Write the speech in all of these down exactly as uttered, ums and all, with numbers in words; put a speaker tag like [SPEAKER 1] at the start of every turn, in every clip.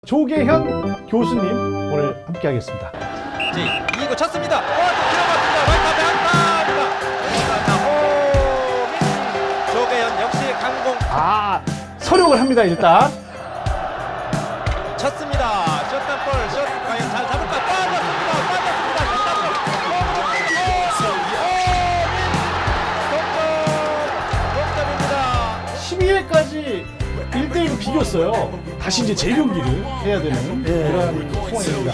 [SPEAKER 1] 조계현 교수님 오늘 함께하겠습니다.
[SPEAKER 2] 자, 이거 쳤습니다. 어, 들어갔습니다. 라이트 앞에 안타입니다. 오, 조계현 역시 강공
[SPEAKER 1] 아, 서력을 합니다 일단.
[SPEAKER 2] 쳤습니다. 슛단 볼, 슛 과연 잘 잡을까? 빠졌습니다. 빠졌습니다. 슛단 볼. 동점,
[SPEAKER 1] 십이 회까지 일 대 일로 비겼어요. 다시 이제 재경기를 해야 되는 그런 상황입니다.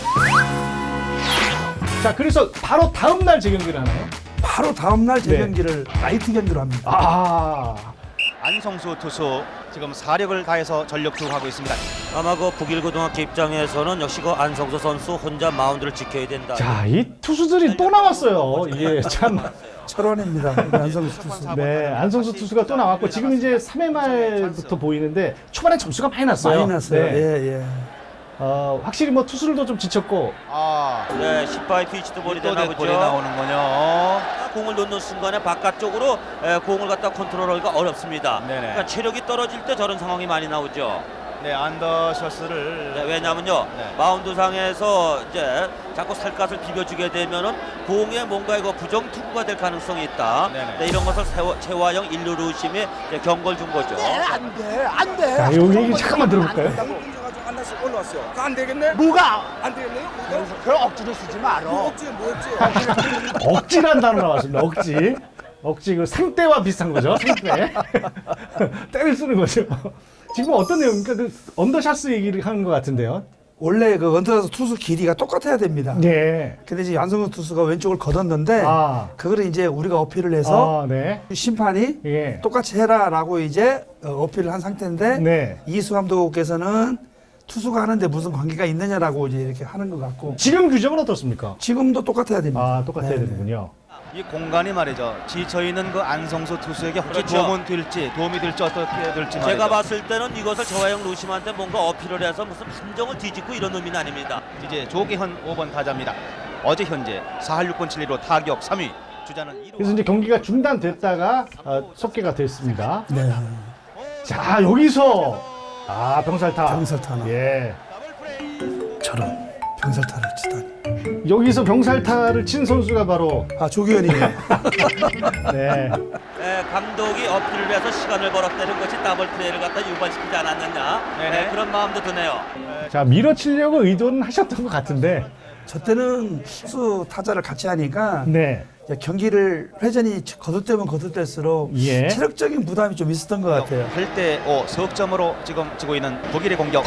[SPEAKER 1] 자, 그래서 바로 다음 날 재경기를 하나요?
[SPEAKER 3] 바로 다음날 재경기를 라이트 경기로 합니다.
[SPEAKER 1] 아,
[SPEAKER 2] 안성수 투수 지금 사력을 다해서 전력 투구하고 있습니다.
[SPEAKER 4] 아마 그 북일고등학교 입장에서는 역시 그 안성수 선수 혼자 마운드를 지켜야 된다.
[SPEAKER 1] 자, 이 투수들이 또 나왔어요. 이게 참.
[SPEAKER 3] 철원입니다. 안성수 투수.
[SPEAKER 1] 네, 안성수 투수가 또 나왔고 지금 이제 삼 회 말부터 보이는데 초반에 점수가 많이 났어요.
[SPEAKER 3] 많이 났어요.
[SPEAKER 1] 네.
[SPEAKER 3] 예, 예.
[SPEAKER 1] 어, 확실히 뭐 투수들도 좀 지쳤고.
[SPEAKER 2] 아,
[SPEAKER 4] 네, 십바의 피치도 볼이
[SPEAKER 2] 또
[SPEAKER 4] 되나
[SPEAKER 2] 볼이
[SPEAKER 4] 보죠.
[SPEAKER 2] 나오는군요.
[SPEAKER 4] 공을 놓는 순간에 바깥쪽으로 에, 공을 갖다 컨트롤하기가 어렵습니다.
[SPEAKER 2] 네네.
[SPEAKER 4] 그러니까 체력이 떨어질 때 저런 상황이 많이 나오죠.
[SPEAKER 2] 네, 안더셔스를
[SPEAKER 4] 네, 왜냐면요,
[SPEAKER 2] 네.
[SPEAKER 4] 마운드 상에서 이제 자꾸 살갗을 비벼주게 되면은 공에 뭔가 이거 부정 투구가 될 가능성이 있다.
[SPEAKER 2] 네네.
[SPEAKER 4] 네, 이런 것을 세워, 최화영 일루 루심이 이제 경고를 준 거죠.
[SPEAKER 5] 안 돼, 안 돼.
[SPEAKER 1] 자, 요 얘기 잠깐만 들어볼까요?
[SPEAKER 5] 가지고 하나씩 올라왔어요. 그거 안 되겠네? 뭐가? 안 되겠네요? 뭐가? 그럼 억지로 쓰지 말어. 억지 뭐였지?
[SPEAKER 1] 억지란 단어 나왔습니다. 억지. 억지 그 상대와 비슷한 거죠. 상대. 때를 쓰는 거죠. 지금 어떤 내용입니까? 그 언더샷스 얘기를 하는 것 같은데요.
[SPEAKER 3] 원래 그 언더샷 투수 길이가 똑같아야 됩니다.
[SPEAKER 1] 네.
[SPEAKER 3] 근데 이제 안성수 투수가 왼쪽을 걷었는데
[SPEAKER 1] 아.
[SPEAKER 3] 그거를 이제 우리가 어필을 해서
[SPEAKER 1] 아, 네.
[SPEAKER 3] 심판이
[SPEAKER 1] 예.
[SPEAKER 3] 똑같이 해라라고 이제 어, 어필을 한 상태인데
[SPEAKER 1] 네.
[SPEAKER 3] 이수 감독께서는 투수가 하는데 무슨 관계가 있느냐라고 이제 이렇게 하는 것 같고
[SPEAKER 1] 지금 규정은 어떻습니까?
[SPEAKER 3] 지금도 똑같아야 됩니다.
[SPEAKER 1] 아, 똑같아야
[SPEAKER 3] 네,
[SPEAKER 1] 되는군요.
[SPEAKER 2] 이 공간이 말이죠. 지쳐 있는 그 안성수 투수에게 혹시
[SPEAKER 4] 그렇죠.
[SPEAKER 2] 도움은 될지, 도움이 될지 어떻게 될지 말이죠.
[SPEAKER 4] 제가 봤을 때는 이것을 저화영 루심한테 뭔가 어필을 해서 무슨 판정을 뒤집고 이런 의미는 아닙니다.
[SPEAKER 2] 이제 조계현 오 번 타자입니다. 어제 현재 사 할 육 분 칠 리로 타격 삼 위. 주자는 일 루.
[SPEAKER 1] 그래서 이제 경기가 중단됐다가 어, 속개가 됐습니다.
[SPEAKER 3] 네.
[SPEAKER 1] 자, 여기서 아, 병살타.
[SPEAKER 3] 병살타.
[SPEAKER 1] 예.
[SPEAKER 3] 저런 병살타를 치다니.
[SPEAKER 1] 여기서 병살타를 친 선수가 바로
[SPEAKER 3] 아 조규현이네요.
[SPEAKER 1] 네.
[SPEAKER 4] 에, 감독이 어필을 해서 시간을 벌었다는 것이 더블 플레이를 갖다 유발시키지 않았느냐.
[SPEAKER 2] 네네.
[SPEAKER 4] 네, 그런 마음도 드네요.
[SPEAKER 1] 자, 밀어치려고 의도는 하셨던 것 같은데.
[SPEAKER 3] 저 때는 투수 타자를 같이 하니까
[SPEAKER 1] 네.
[SPEAKER 3] 이제 경기를 회전이 거듭되면 거듭될수록
[SPEAKER 1] 예.
[SPEAKER 3] 체력적인 부담이 좀 있었던 것 같아요.
[SPEAKER 2] 팔 대 오 석점으로 지금 지고 있는 독일의 공격.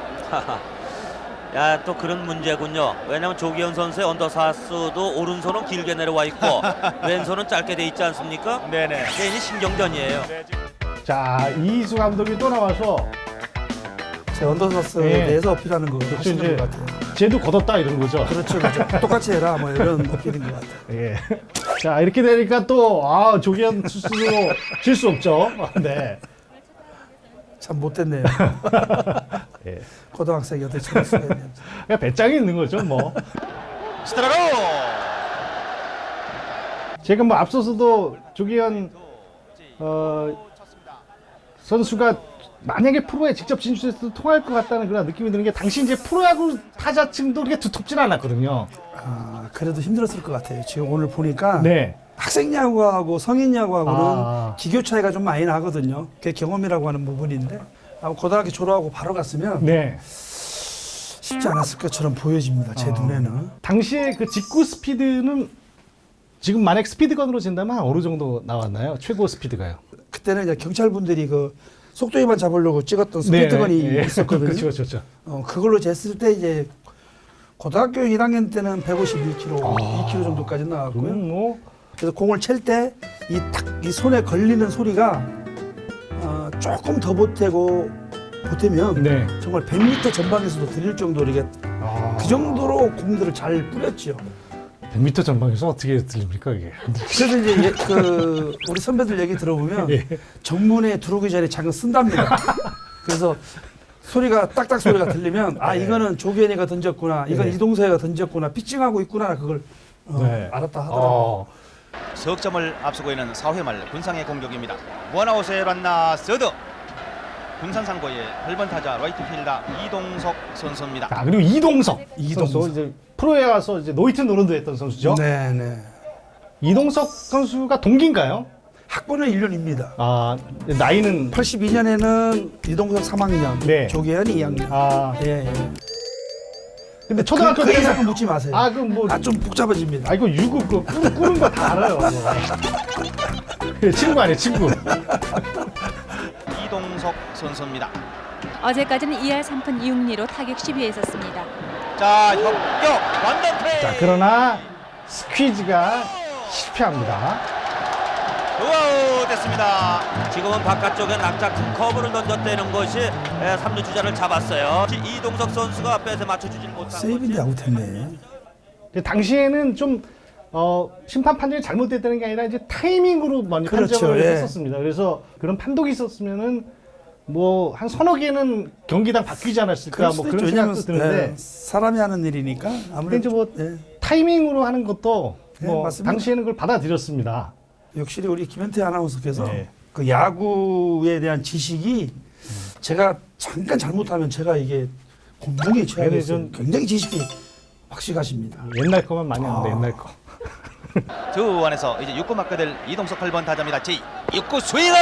[SPEAKER 4] 야, 또 그런 문제군요. 왜냐하면 조기현 선수의 언더사스도 오른손은 길게 내려와 있고 왼손은 짧게 돼 있지 않습니까?
[SPEAKER 2] 네네.
[SPEAKER 4] 괜히 신경전이에요.
[SPEAKER 1] 자, 이수 감독이 또 나와서
[SPEAKER 3] 제 언더사스에
[SPEAKER 1] 예.
[SPEAKER 3] 대해서 어필하는 거
[SPEAKER 1] 그렇죠,
[SPEAKER 3] 하시는
[SPEAKER 1] 이제
[SPEAKER 3] 것 같아요.
[SPEAKER 1] 쟤도 걷었다 이런 거죠.
[SPEAKER 3] 그렇죠, 그렇죠. 똑같이 해라 뭐 이런 어필인 것 같아요.
[SPEAKER 1] 예. 자, 이렇게 되니까 또 아, 조기현 투수도 질 수 없죠. 네.
[SPEAKER 3] 참 못됐네요.
[SPEAKER 1] 예.
[SPEAKER 3] 고등학생이 어떻게 저럴 수가 있는지.
[SPEAKER 1] 그냥 배짱이 있는 거죠, 뭐.
[SPEAKER 2] 스트라로.
[SPEAKER 1] 제가 뭐 앞서서도 조기현 어, 선수가 만약에 프로에 직접 진출해서 통할 것 같다는 그런 느낌이 드는 게 당시 이제 프로야구 타자층도 그렇게 두텁진 않았거든요.
[SPEAKER 3] 아, 그래도 힘들었을 것 같아요. 지금 오늘 보니까
[SPEAKER 1] 네.
[SPEAKER 3] 학생 야구하고 성인 야구하고는
[SPEAKER 1] 아.
[SPEAKER 3] 기교 차이가 좀 많이 나거든요. 그게 경험이라고 하는 부분인데 아마 고등학교 졸업하고 바로 갔으면
[SPEAKER 1] 네.
[SPEAKER 3] 쉽지 않았을 것처럼 보여집니다. 제
[SPEAKER 1] 아.
[SPEAKER 3] 눈에는.
[SPEAKER 1] 당시에 그 직구 스피드는 지금 만약 스피드건으로 진다면 한 어느 정도 나왔나요? 최고 스피드가요?
[SPEAKER 3] 그때는 이제 경찰분들이 그 속도 위반 잡으려고 찍었던 스피드건이
[SPEAKER 1] 네, 네.
[SPEAKER 3] 있었거든요.
[SPEAKER 1] 그렇죠, 그렇죠.
[SPEAKER 3] 어, 그걸로 쟀을 때 이제 고등학교 일 학년 때는 백오십일 킬로그램,
[SPEAKER 1] 아.
[SPEAKER 3] 이 킬로그램 정도까지 나왔고요.
[SPEAKER 1] 그럼 뭐
[SPEAKER 3] 그래서 공을 칠 때 이 탁 이 손에 걸리는 소리가 어, 조금 더 보태고 보태면
[SPEAKER 1] 네.
[SPEAKER 3] 정말 백 미터 전방에서도 들릴 정도로 이게
[SPEAKER 1] 아.
[SPEAKER 3] 그 정도로 공들을 잘 뿌렸죠.
[SPEAKER 1] 백 미터 전방에서 어떻게 들립니까, 이게?
[SPEAKER 3] 그래서 이제 예, 그 우리 선배들 얘기 들어보면
[SPEAKER 1] 예.
[SPEAKER 3] 정문에 들어오기 전에 장을 쓴답니다. 그래서 소리가 딱딱 소리가 들리면 아
[SPEAKER 1] 네.
[SPEAKER 3] 이거는 조기현이가 던졌구나, 이건
[SPEAKER 1] 네.
[SPEAKER 3] 이동서이가 던졌구나, 피칭하고 있구나 그걸 어,
[SPEAKER 1] 네.
[SPEAKER 3] 알았다 하더라고요.
[SPEAKER 1] 어.
[SPEAKER 2] 석점을 앞서고 있는 사 회 말 군상의 공격입니다. 원아웃에 란나 서드. 군산상고의 팔 번 타자 라이트 필더 이동석 선수입니다.
[SPEAKER 1] 자, 그리고 이동석,
[SPEAKER 3] 이동석.
[SPEAKER 1] 선수 이제 프로에 와서 이제 노이트 노른도 했던 선수죠.
[SPEAKER 3] 네, 네.
[SPEAKER 1] 이동석 선수가 동기인가요?
[SPEAKER 3] 학번은 일 년입니다.
[SPEAKER 1] 아, 나이는
[SPEAKER 3] 팔십이 년에는 이동석 삼 학년,
[SPEAKER 1] 네.
[SPEAKER 3] 조계현이 이 학년.
[SPEAKER 1] 아,
[SPEAKER 3] 예, 예.
[SPEAKER 1] 근데 초등학교
[SPEAKER 3] 그, 그
[SPEAKER 1] 때
[SPEAKER 3] 이상은 묻지 마세요.
[SPEAKER 1] 아, 그럼 뭐
[SPEAKER 3] 아, 좀 복잡해집니다.
[SPEAKER 1] 아, 이거 유급 그 꾸는, 꾸는 거 다 알아요. 그 친구 아니에요, 친구.
[SPEAKER 2] 이동석 선수입니다.
[SPEAKER 6] 어제까지는 이 할 삼 푼 육 리로 타격 십 위에 있었습니다.
[SPEAKER 2] 자, 협격 완전 플레이.
[SPEAKER 1] 자, 그러나 스퀴즈가 실패합니다.
[SPEAKER 2] 우아우 됐습니다.
[SPEAKER 4] 지금은 바깥쪽에 낙자 큰 커브를 던졌다는 것이 에, 삼 루 주자를 잡았어요. 이동석 선수가 앞에서 맞춰주질 못한
[SPEAKER 3] 세이브인데
[SPEAKER 4] 거지.
[SPEAKER 3] 아웃했네.
[SPEAKER 1] 근데 당시에는 좀 어, 심판 판정이 잘못됐다는 게 아니라 이제 타이밍으로 많이
[SPEAKER 3] 그렇죠,
[SPEAKER 1] 판정을
[SPEAKER 3] 예.
[SPEAKER 1] 했었습니다. 그래서 그런 판독이 있었으면은 뭐 한 서너 개는 경기당 바뀌지 않았을까
[SPEAKER 3] 그럴
[SPEAKER 1] 뭐
[SPEAKER 3] 수도
[SPEAKER 1] 그런
[SPEAKER 3] 있죠. 왜냐면
[SPEAKER 1] 생각도 드는데
[SPEAKER 3] 네, 사람이 하는 일이니까
[SPEAKER 1] 근데
[SPEAKER 3] 아무래도
[SPEAKER 1] 이제 뭐
[SPEAKER 3] 네.
[SPEAKER 1] 타이밍으로 하는 것도
[SPEAKER 3] 네,
[SPEAKER 1] 뭐
[SPEAKER 3] 맞습니다.
[SPEAKER 1] 당시에는 그걸 받아들였습니다.
[SPEAKER 3] 역시 우리 김현태 아나운서께서
[SPEAKER 1] 네.
[SPEAKER 3] 그 야구에 대한 지식이 제가 잠깐 잘못하면 제가 이게 공정에 취하겠어요.
[SPEAKER 1] 좀-
[SPEAKER 3] 굉장히 지식이 확실하십니다.
[SPEAKER 1] 옛날 거만 많이 하는데
[SPEAKER 3] 아.
[SPEAKER 1] 옛날 거.
[SPEAKER 2] 두 안에서 이제 육 구 맞게 될 이동석 팔 번 타자입니다. 제 육 구 스윙아웃.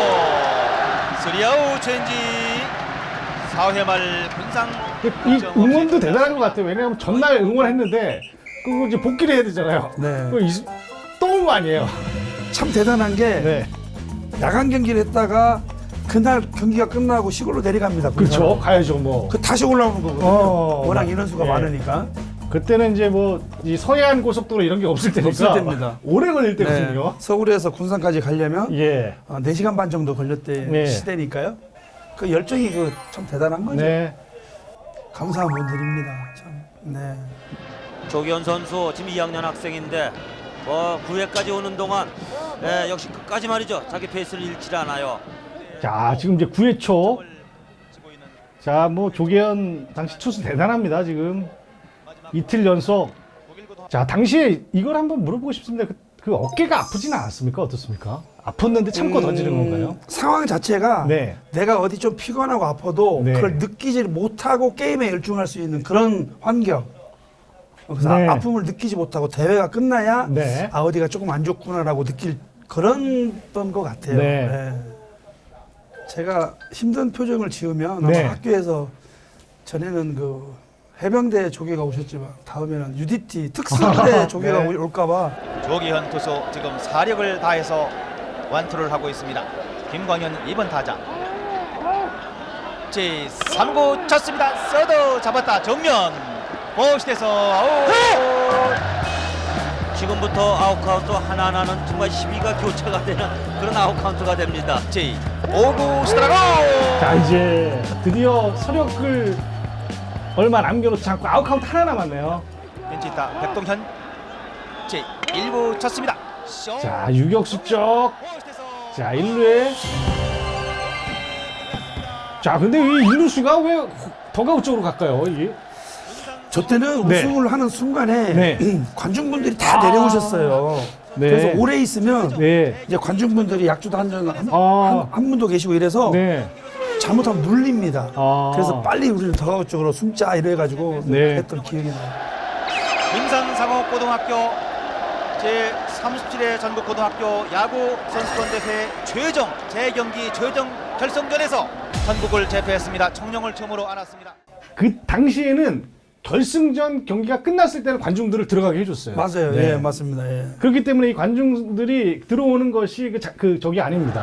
[SPEAKER 2] 스리아웃 체인지. 사 회 말 군상.
[SPEAKER 1] 이 응원도 대단한 것 같아요. 왜냐하면 전날 응원했는데 그거 이제 복귀를 해야 되잖아요.
[SPEAKER 3] 네.
[SPEAKER 1] 그거 이- 또 온 거 아니에요.
[SPEAKER 3] 참 대단한 게
[SPEAKER 1] 네.
[SPEAKER 3] 야간 경기를 했다가 그날 경기가 끝나고 시골로 내려갑니다.
[SPEAKER 1] 그렇죠.
[SPEAKER 3] 군사로.
[SPEAKER 1] 가야죠 뭐.
[SPEAKER 3] 그 다시 올라오는 거거든요.
[SPEAKER 1] 어,
[SPEAKER 3] 워낙
[SPEAKER 1] 맞-
[SPEAKER 3] 인원수가
[SPEAKER 1] 예.
[SPEAKER 3] 많으니까.
[SPEAKER 1] 그때는 이제 뭐 이 서해안 고속도로 이런 게 없을 때니까
[SPEAKER 3] 없을 때입니다.
[SPEAKER 1] 오래 걸릴
[SPEAKER 3] 네.
[SPEAKER 1] 때거든요.
[SPEAKER 3] 서울에서 군산까지 가려면
[SPEAKER 1] 예.
[SPEAKER 3] 어, 네 시간 반 정도 걸렸대
[SPEAKER 1] 네.
[SPEAKER 3] 시대니까요. 그 열정이 그 참 대단한 거죠.
[SPEAKER 1] 네.
[SPEAKER 3] 감사한 분들입니다. 참. 네.
[SPEAKER 4] 조기현 선수 지금 이 학년 학생인데 어, 구 회까지 오는 동안 에, 역시 끝까지 말이죠. 자기 페이스를 잃지 않아요.
[SPEAKER 1] 자, 지금 이제 구 회 초. 자, 뭐 조계현 당시 투수 대단합니다. 지금 이틀 연속. 자, 당시에 이걸 한번 물어보고 싶습니다. 그, 그 어깨가 아프지는 않았습니까? 어떻습니까? 아팠는데 참고
[SPEAKER 3] 음,
[SPEAKER 1] 던지는 건가요?
[SPEAKER 3] 상황 자체가
[SPEAKER 1] 네.
[SPEAKER 3] 내가 어디 좀 피곤하고 아파도
[SPEAKER 1] 네.
[SPEAKER 3] 그걸 느끼지 못하고 게임에 열중할 수 있는 그런 환경. 그래서
[SPEAKER 1] 네.
[SPEAKER 3] 아, 아픔을 느끼지 못하고 대회가 끝나야
[SPEAKER 1] 네.
[SPEAKER 3] 아 어디가 조금 안 좋구나라고 느낄 그런 것 같아요.
[SPEAKER 1] 네.
[SPEAKER 3] 네. 제가 힘든 표정을 지으면
[SPEAKER 1] 네.
[SPEAKER 3] 아마 학교에서 전에는 그 해병대 조계가 오셨지만 다음에는 유디티 특수부대 조계가
[SPEAKER 1] 네.
[SPEAKER 3] 올까봐
[SPEAKER 2] 조기현 투수 지금 사력을 다해서 완투를 하고 있습니다. 김광현 이 번 타자. 제 삼 구 쳤습니다. 서드 잡았다. 정면. 보시돼서 아웃.
[SPEAKER 4] 지금부터 아웃 카운트 하나하나는 정말 시비가 교차가 되는 그런 아웃 카운트가 됩니다.
[SPEAKER 2] 제 오 구 스트라이크.
[SPEAKER 1] 자, 이제 드디어 서력을 얼마 남겨놓지 않고 아웃 카운트 하나 남았네요.
[SPEAKER 2] 벤치타 백동현. 제 일 구 쳤습니다. 쇼.
[SPEAKER 1] 자, 유격수 쪽.
[SPEAKER 2] 보시돼서
[SPEAKER 1] 자, 일 루에. 자, 근데 이 일 루수가 왜 더가웃 쪽으로 갈까요? 이게?
[SPEAKER 3] 저 때는
[SPEAKER 1] 네.
[SPEAKER 3] 우승을 하는 순간에
[SPEAKER 1] 네.
[SPEAKER 3] 관중분들이 다
[SPEAKER 1] 아.
[SPEAKER 3] 내려오셨어요.
[SPEAKER 1] 네.
[SPEAKER 3] 그래서 오래 있으면
[SPEAKER 1] 네.
[SPEAKER 3] 이제 관중분들이 약주도 한잔 한,
[SPEAKER 1] 아.
[SPEAKER 3] 한, 한 분도 계시고 이래서
[SPEAKER 1] 네.
[SPEAKER 3] 잘못하면 눌립니다.
[SPEAKER 1] 아.
[SPEAKER 3] 그래서 빨리 우리는 더가웃 쪽으로 숨자 이래가지고
[SPEAKER 1] 네.
[SPEAKER 3] 했던 기억이 나요.
[SPEAKER 2] 김산상호고등학교 제 삼십칠 회 전국고등학교 야구 선수권 대회 최종 재경기 최종 결승전에서 전국을 제패했습니다. 청룡을 처음으로 안았습니다.
[SPEAKER 1] 그 당시에는 결승전 경기가 끝났을 때는 관중들을 들어가게 해줬어요.
[SPEAKER 3] 맞아요.
[SPEAKER 1] 네.
[SPEAKER 3] 예, 맞습니다. 예.
[SPEAKER 1] 그렇기 때문에 이 관중들이 들어오는 것이 그, 자, 그 저기 아닙니다.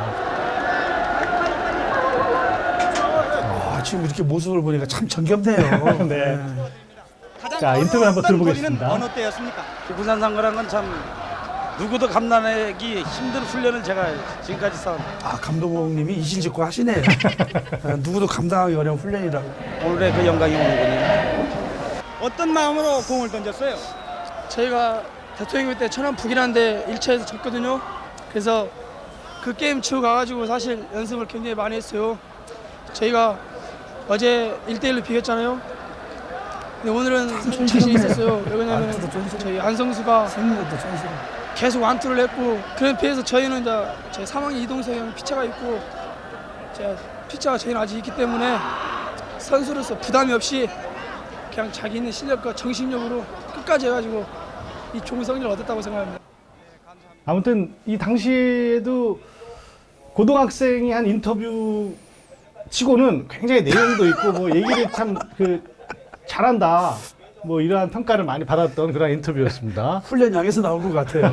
[SPEAKER 3] 아, 지금 이렇게 모습을 보니까 참 정겹네요.
[SPEAKER 1] 네. 자, 인터뷰 한번 들어보겠습니다.
[SPEAKER 5] 어느 때였습니까?
[SPEAKER 7] 군산상고란 건 참 누구도 감당하기 힘든 훈련을 제가 지금까지 쌓은
[SPEAKER 3] 아, 감독님이 이실직고 하시네요. 아, 누구도 감당하기 어려운 훈련이라고.
[SPEAKER 7] 오늘의 그 영광이 오는군요.
[SPEAKER 5] 어떤 마음으로 공을 던졌어요?
[SPEAKER 8] 저희가 대통령 때 천안 북이라는데 일 차에서 졌거든요. 그래서 그 게임 치고 가가지고 사실 연습을 굉장히 많이 했어요. 저희가 어제 일 대 일로 비겼잖아요. 근데 오늘은 좀 자신 있었어요. 왜냐면
[SPEAKER 3] 말투도 쫀쫀해.
[SPEAKER 8] 저희 안성수가
[SPEAKER 3] 생각도 쫀쫀해.
[SPEAKER 8] 계속 완투를 했고 그런 피해서 저희는 이제 제 삼 학년 이동석 형 피차가 있고 제가 피자가 저희는 아직 있기 때문에 선수로서 부담이 없이 그냥 자기 있는 실력과 정신력으로 끝까지 해가지고 이 좋은 성적을 얻었다고 생각합니다.
[SPEAKER 1] 아무튼 이 당시에도 고등학생이 한 인터뷰 치고는 굉장히 내용도 있고 뭐 얘기를 참 그 잘한다 뭐 이러한 평가를 많이 받았던 그런 인터뷰였습니다.
[SPEAKER 3] 훈련장에서 나온 것 같아요.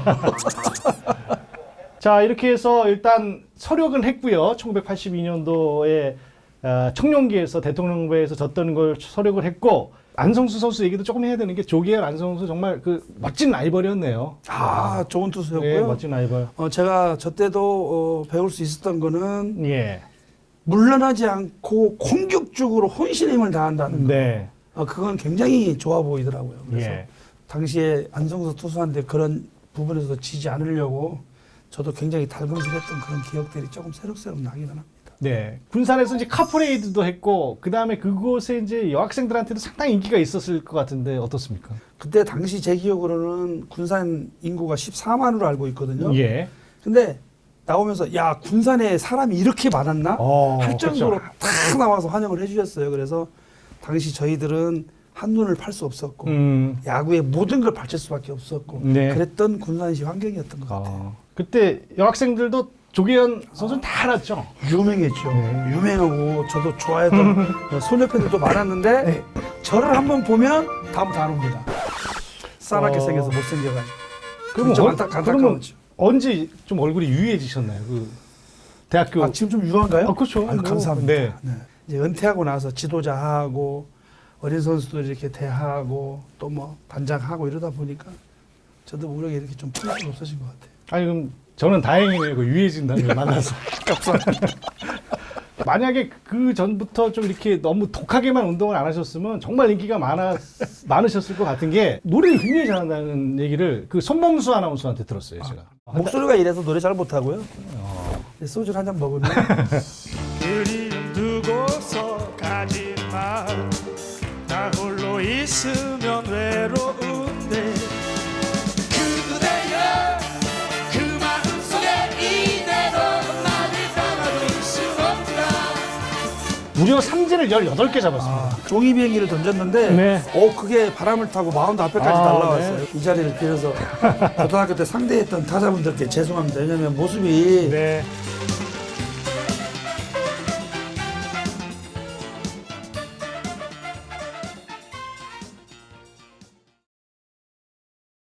[SPEAKER 1] 자, 이렇게 해서 일단 서력은 했고요. 천구백팔십이 년도에 어, 청룡기에서 대통령 후보에서 졌던 걸 서력을 했고, 안성수 선수 얘기도 조금 해야 되는 게 조기현 안성수 정말 그 멋진 라이벌이었네요.
[SPEAKER 3] 아, 좋은
[SPEAKER 1] 네,
[SPEAKER 3] 투수였고요.
[SPEAKER 1] 멋진 라이벌.
[SPEAKER 3] 어, 제가 저 때도 어, 배울 수 있었던 거는
[SPEAKER 1] 예.
[SPEAKER 3] 물러나지 않고 공격적으로 혼신의 힘을 다한다는 거.
[SPEAKER 1] 네.
[SPEAKER 3] 어, 그건 굉장히 좋아 보이더라고요. 그래서
[SPEAKER 1] 예.
[SPEAKER 3] 당시에 안성수 투수한테 그런 부분에서 지지 않으려고 저도 굉장히 달금질했던 그런 기억들이 조금 새록새록 나기는 합니다.
[SPEAKER 1] 네. 군산에서 이제 카프레이드도 했고, 그 다음에 그곳에 이제 여학생들한테도 상당히 인기가 있었을 것 같은데 어떻습니까?
[SPEAKER 3] 그때 당시 제 기억으로는 군산 인구가 십사만으로 알고 있거든요.
[SPEAKER 1] 예.
[SPEAKER 3] 근데 나오면서 야, 군산에 사람이 이렇게 많았나?
[SPEAKER 1] 어,
[SPEAKER 3] 할 정도로
[SPEAKER 1] 그렇죠.
[SPEAKER 3] 다 나와서 환영을 해주셨어요. 그래서 당시 저희들은 한눈을 팔 수 없었고
[SPEAKER 1] 음.
[SPEAKER 3] 야구의 모든 걸 바칠 수밖에 없었고
[SPEAKER 1] 네.
[SPEAKER 3] 그랬던 군산시 환경이었던 것 같아요.
[SPEAKER 1] 어, 그때 여학생들도 조기현 선수는 다 알았죠.
[SPEAKER 3] 유명했죠.
[SPEAKER 1] 네.
[SPEAKER 3] 유명하고 저도 좋아했던 소녀팬들도 많았는데
[SPEAKER 1] 네.
[SPEAKER 3] 저를 한번 보면 다음부터 안 옵니다. 싸납게
[SPEAKER 1] 어.
[SPEAKER 3] 생겨서 못생겨가지고.
[SPEAKER 1] 그럼
[SPEAKER 3] 좀
[SPEAKER 1] 어-
[SPEAKER 3] 안타,
[SPEAKER 1] 그러면
[SPEAKER 3] 안타까웠죠.
[SPEAKER 1] 언제 좀 얼굴이 유해지셨나요? 그 대학교.
[SPEAKER 3] 아, 지금 좀 유한가요?
[SPEAKER 1] 아, 그렇죠.
[SPEAKER 3] 아유,
[SPEAKER 1] 뭐,
[SPEAKER 3] 감사합니다.
[SPEAKER 1] 네.
[SPEAKER 3] 네. 이제 은퇴하고 나서 지도자하고 어린 선수들 이렇게 대하고 또 뭐 반장하고 이러다 보니까 저도 모르게 이렇게 좀 풀이 없어진 것 같아요.
[SPEAKER 1] 아니 그럼 저는 다행이네요. 그 유해진다는 걸 만나서. 만약에 그 전부터 좀 이렇게 너무 독하게만 운동을 안 하셨으면 정말 인기가 많아 많으셨을 것 같은 게 노래를 굉장히 잘한다는 얘기를 그 손범수 아나운서한테 들었어요, 제가.
[SPEAKER 3] 목소리가 이래서 노래 잘 못하고요. 소주 한 잔 먹으면
[SPEAKER 9] 그리움 두고서 가지마 나 홀로 있으면 외로운데 그대여 그 마음속에 이대로 나를 떠나줄 수 없다.
[SPEAKER 1] 무려 삼진을 열여덟 개 잡았습니다.
[SPEAKER 3] 아, 종이 비행기를 던졌는데
[SPEAKER 1] 네.
[SPEAKER 3] 어 그게 바람을 타고 마운드 앞에까지
[SPEAKER 1] 아,
[SPEAKER 3] 날라왔어요. 이 자리를 빌어서 고등학교 때 상대했던 타자분들께 죄송합니다. 왜냐하면 모습이
[SPEAKER 1] 네.